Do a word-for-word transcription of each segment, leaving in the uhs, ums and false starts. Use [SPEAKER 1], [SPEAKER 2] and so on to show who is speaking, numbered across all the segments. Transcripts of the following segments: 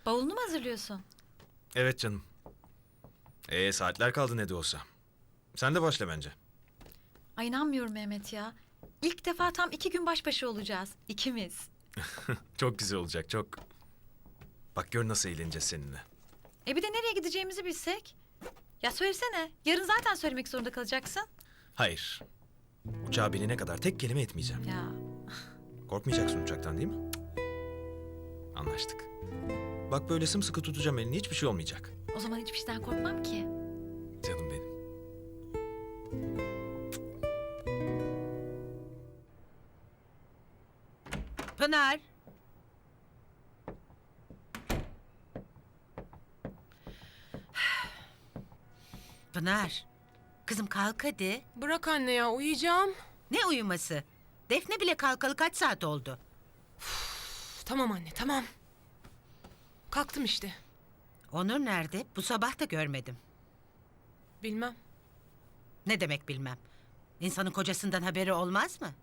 [SPEAKER 1] Bavulunu mu hazırlıyorsun?
[SPEAKER 2] Evet canım. Ee saatler kaldı ne de olsa. Sen de başla bence.
[SPEAKER 1] Ay inanmıyorum Mehmet ya. İlk defa tam iki gün baş başa olacağız. İkimiz.
[SPEAKER 2] Çok güzel olacak çok. Bak gör nasıl eğleneceğiz seninle.
[SPEAKER 1] E bir de nereye gideceğimizi bilsek. Ya söylesene. Yarın zaten söylemek zorunda kalacaksın.
[SPEAKER 2] Hayır. Uçağa binene kadar tek kelime etmeyeceğim.
[SPEAKER 1] Ya
[SPEAKER 2] Korkmayacaksın uçaktan değil mi? Anlaştık. Bak böyle sımsıkı tutacağım elini, hiçbir şey olmayacak.
[SPEAKER 1] o zaman hiçbir şeyden korkmam ki.
[SPEAKER 2] Canım benim.
[SPEAKER 3] Pınar. Pınar. Kızım kalk hadi.
[SPEAKER 4] Bırak anne ya, uyuyacağım.
[SPEAKER 3] Ne uyuması? Defne bile kalkalı kaç saat oldu?
[SPEAKER 4] Üf, tamam anne, tamam. Kalktım işte.
[SPEAKER 3] Onur nerede? Bu sabah da görmedim.
[SPEAKER 4] Bilmem.
[SPEAKER 3] Ne demek bilmem. İnsanın kocasından haberi olmaz mı?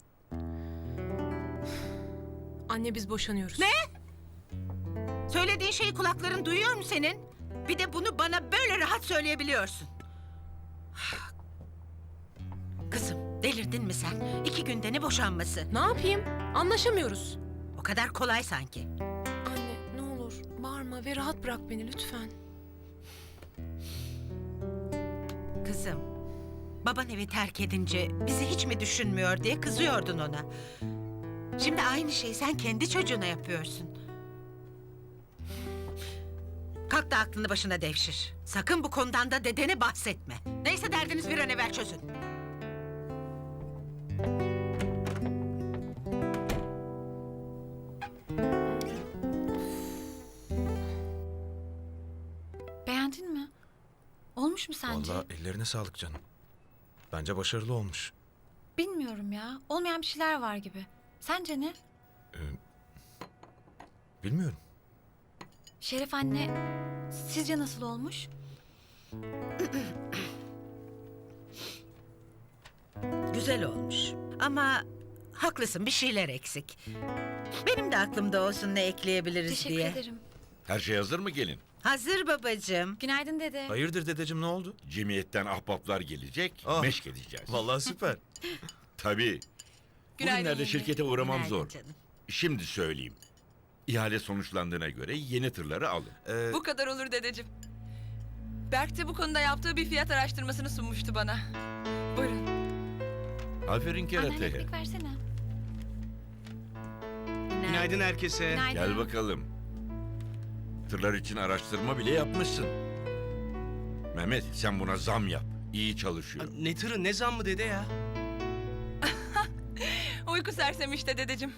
[SPEAKER 4] Anne biz boşanıyoruz.
[SPEAKER 3] Ne? Söylediğin şeyi kulakların duyuyor mu senin? Bir de bunu bana böyle rahat söyleyebiliyorsun. Kızım delirdin mi sen? İki günde ne boşanması?
[SPEAKER 4] Ne yapayım? Anlaşamıyoruz.
[SPEAKER 3] O kadar kolay sanki.
[SPEAKER 4] Anne ne olur bağırma ve rahat bırak beni lütfen.
[SPEAKER 3] Kızım, baban evi terk edince bizi hiç mi düşünmüyor diye kızıyordun ona. Şimdi aynı şeyi sen kendi çocuğuna yapıyorsun. Kalk da aklını başına devşir. Sakın bu konudan da dedene bahsetme. Neyse derdiniz bir an evvel çözün.
[SPEAKER 1] Beğendin mi? Olmuş mu sence?
[SPEAKER 2] Vallahi ellerine sağlık canım. Bence başarılı olmuş.
[SPEAKER 1] Bilmiyorum ya. Olmayan bir şeyler var gibi. Sence ne?
[SPEAKER 2] Ee, bilmiyorum.
[SPEAKER 1] Şeref anne, sizce nasıl olmuş?
[SPEAKER 3] Güzel olmuş. Ama haklısın bir şeyler eksik. Benim de aklımda olsun ne ekleyebiliriz
[SPEAKER 1] Teşekkür
[SPEAKER 3] diye.
[SPEAKER 1] ederim.
[SPEAKER 5] Her şey hazır mı gelin?
[SPEAKER 3] Hazır babacığım.
[SPEAKER 1] Günaydın dede.
[SPEAKER 2] Hayırdır dedeciğim, ne oldu?
[SPEAKER 5] Cemiyetten ahbaplar gelecek,
[SPEAKER 2] Ah.
[SPEAKER 5] meşk edeceğiz.
[SPEAKER 2] Vallahi süper.
[SPEAKER 5] Tabii. Bugünlerde şirkete uğramam
[SPEAKER 3] Günaydın
[SPEAKER 5] zor.
[SPEAKER 3] canım.
[SPEAKER 5] Şimdi söyleyeyim. İhale sonuçlandığına göre yeni tırları alın.
[SPEAKER 2] Ee,
[SPEAKER 6] Bu kadar olur dedeciğim. Berk de bu konuda yaptığı bir fiyat araştırmasını sunmuştu bana. Buyurun.
[SPEAKER 5] Aferin
[SPEAKER 1] Anne
[SPEAKER 5] kerateye.
[SPEAKER 1] ekmek versene.
[SPEAKER 7] Günaydın herkese.
[SPEAKER 1] Günaydın.
[SPEAKER 5] Gel bakalım. Tırlar için araştırma bile yapmışsın. Mehmet sen buna zam yap. İyi çalışıyor.
[SPEAKER 7] Ne tırı ne zam mı dede ya?
[SPEAKER 6] Uyku sersemi işte dedeciğim.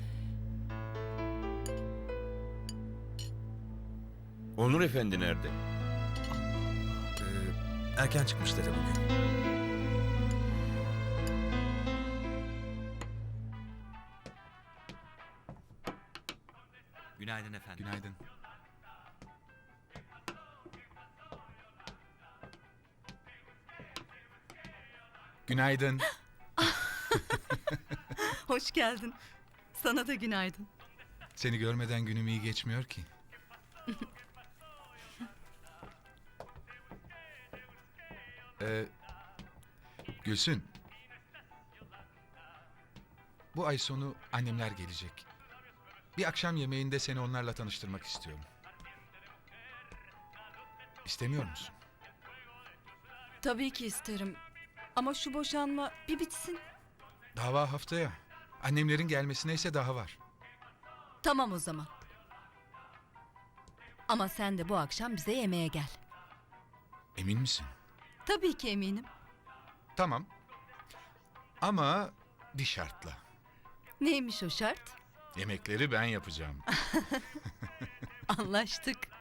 [SPEAKER 5] Onur Efendi nerede?
[SPEAKER 2] e, erken çıkmış dede bugün.
[SPEAKER 8] Günaydın efendim.
[SPEAKER 7] Günaydın. Günaydın.
[SPEAKER 9] Hoş geldin. Sana da günaydın.
[SPEAKER 7] Seni görmeden günüm iyi geçmiyor ki. ee, Gülsün. Bu ay sonu annemler gelecek. Bir akşam yemeğinde seni onlarla tanıştırmak istiyorum. İstemiyor musun?
[SPEAKER 9] Tabii ki isterim. Ama şu boşanma bir bitsin.
[SPEAKER 7] Dava haftaya. Annemlerin gelmesine ise daha var.
[SPEAKER 9] Tamam o zaman. Ama sen de bu akşam bize yemeğe gel.
[SPEAKER 7] Emin misin?
[SPEAKER 9] Tabii ki eminim.
[SPEAKER 7] Tamam. Ama bir şartla.
[SPEAKER 9] Neymiş o şart?
[SPEAKER 7] Yemekleri ben yapacağım.
[SPEAKER 9] Anlaştık.